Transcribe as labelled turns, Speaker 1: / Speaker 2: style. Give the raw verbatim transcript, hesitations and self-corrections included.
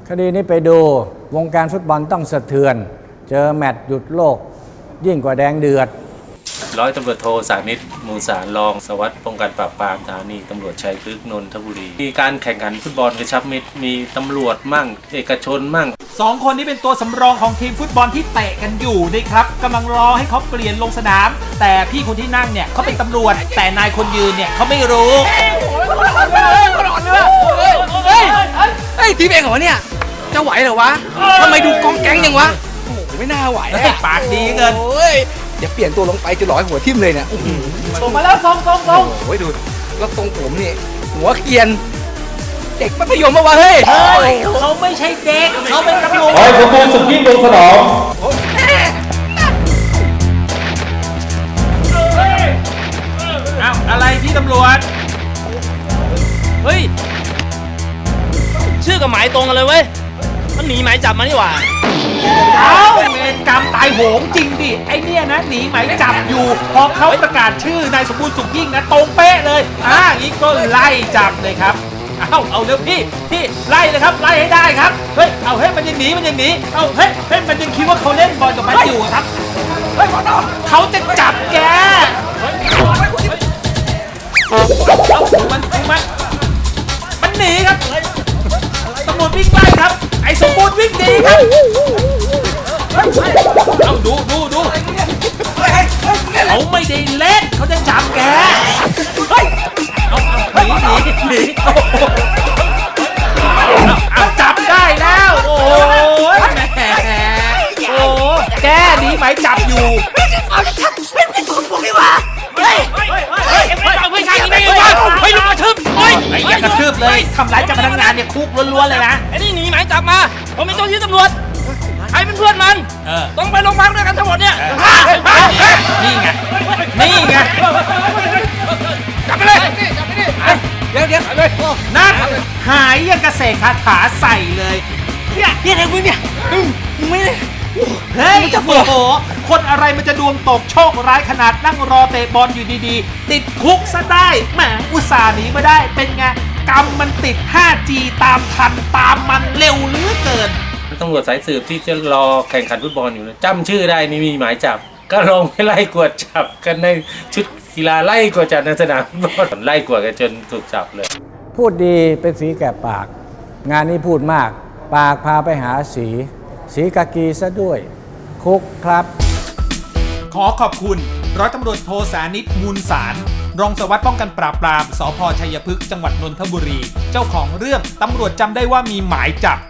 Speaker 1: คดีนี้ไปดูวงการฟุตบอลต้องสะเทือนเจอแมตช์หยุดโลกยิ่งกว่าแดงเดือด
Speaker 2: ร้อยตำรวจโทสานิตมูลสารรองสารวัสดิ์ป้องกันปราบปรามสถานีตำรวจชัยพฤกษ์นนทบุรีมีการแข่งขันฟุตบอลกระชับมิตรมีตำรวจมั่งเอกชนมั่ง
Speaker 3: สองคนนี้เป็นตัวสำรองของทีมฟุตบอลที่เตะกันอยู่นะครับกำลังรอให้เขาเปลี่ยนลงสนามแต่พี่คนที่นั่งเนี่ยเขาเป็นตำรวจแต่นายคนยืนเนี่ยเขาไม่รู้
Speaker 4: เฮ้ยทีมเองเหรอเนี่ยจะไหวเหรอวะทำไมดูกองแก๊งยังวะโอ้โหไม่น่าไหว
Speaker 3: ปากดีเกิน
Speaker 4: เดี๋ยวเปลี่ยนตัวลงไปจะหลอยหัวทิ่มเลยเนี่ย
Speaker 3: ส่งมาแล้วส่งส่งส่ง
Speaker 4: โอ้ยดูแล้วตรงผมนี่หัวเกียนเด็กมัธยมมาวะเฮ้ย
Speaker 3: เขาไม่ใช่เด็กเขาเป็นตำรวจ
Speaker 5: ไอ้สมบูรณ์สุดยิ่งลงสนาม
Speaker 3: อ้าวอะไรพี่ตำรวจ
Speaker 6: เฮ้ยชื่อกับหมายตรงกันเลยเว้ยมันหนีหมายจับมานี่หว่า
Speaker 3: เอ้าเวรกรรมตายโหงจริงดิไอเนี่ยนะหนีหมายจับอยู่พอเขาประกาศชื่อนายสมบูรณ์สุขยิ่งนะตรงเป๊ะเลยอ่าอย่างนี้ก็ไล่จับเลยครับเอาเอาเร็วพี่พี่ไล่เลยครับไล่ให้ได้ครับเฮ้ยเอาเฮ้ยมันยังหนีมันยังหนีเอาเฮ้ยเฮ้ยมันยังคิดว่าเขาเล่นบอลกับมันอยู่ครับเฮ้ยเขาจะจับแกเอาดูมันดูมันมันหนีครับตำรวจวิ่งไล่ครับไอ้สมบูรณ์วิ่งหนีครับเอาดูดูดูเขาไม่ได้เล่นเขาจะจับแกเฮ้ยเอาเอาหนีหนีหนีเอาจับได้แล้วโอ้ยแหมโอ้แกหนีหมายจับอยู่
Speaker 6: เอาจะทักเป็นเป็นตัวพวกนี้วะเฮ้ยเฮ้ยเฮ้ยไม่เอาไม่ใช่ยังไงวะเฮ้ยลุกกระทืบเฮ้ย
Speaker 3: ไอ้อย่ากระทืบเลยทำร้ายเจ้าพนักงานเนี่ยคุกล้วนๆเลยนะ
Speaker 6: ไอ้นี่หนีหมายจับมาผมเป็นเจ้าหน้าที่ตำรวจใครเป็นเพื่อนมันต้องไปโรงพักด้วยกันทั้งหมดเนี่ย
Speaker 3: นี่ไงนี่ไง
Speaker 6: จับไปเลย
Speaker 4: เดี๋ยวเดี๋ยวเลย
Speaker 3: นั่นหายยังกระเสกคาถาใส่เลย
Speaker 6: เนี่ยเนี่ยอะไรมึงเนี่ยมึงไม่ได้
Speaker 3: เฮ้ยโอ้โหคนอะไรมันจะดวงตกโชคร้ายขนาดนั่งรอเตะบอลอยู่ดีๆติดคุกซะได้แหมอุตส่าห์หนีมาได้เป็นไงกรรมมันติด ห้าจี ตามทันตามมันเร็วเหลือเกิน
Speaker 2: ตำรวจสายสืบที่จะรอแข่งขันฟุตบอลอยู่นะจำชื่อได้นี่มีหมายจับก็ลงไปไล่กวดจับกันในชุดกีฬาไล่กวดจับในสนามฟุตบอลไล่กวดกันจนถูกจับเลย
Speaker 1: พูดดีเป็นสีแก่ปากงานนี้พูดมากปากพาไปหาสีสีกากีซะด้วยคุกครับ
Speaker 3: ขอขอบคุณร้อยตำรวจโทสานิตมูลสารรองสารวัสดิ์ป้องกันปราบปรามสภ.ชัยพฤกษ์จังหวัดนนทบุรีเจ้าของเรื่องตำรวจจำได้ว่ามีหมายจับ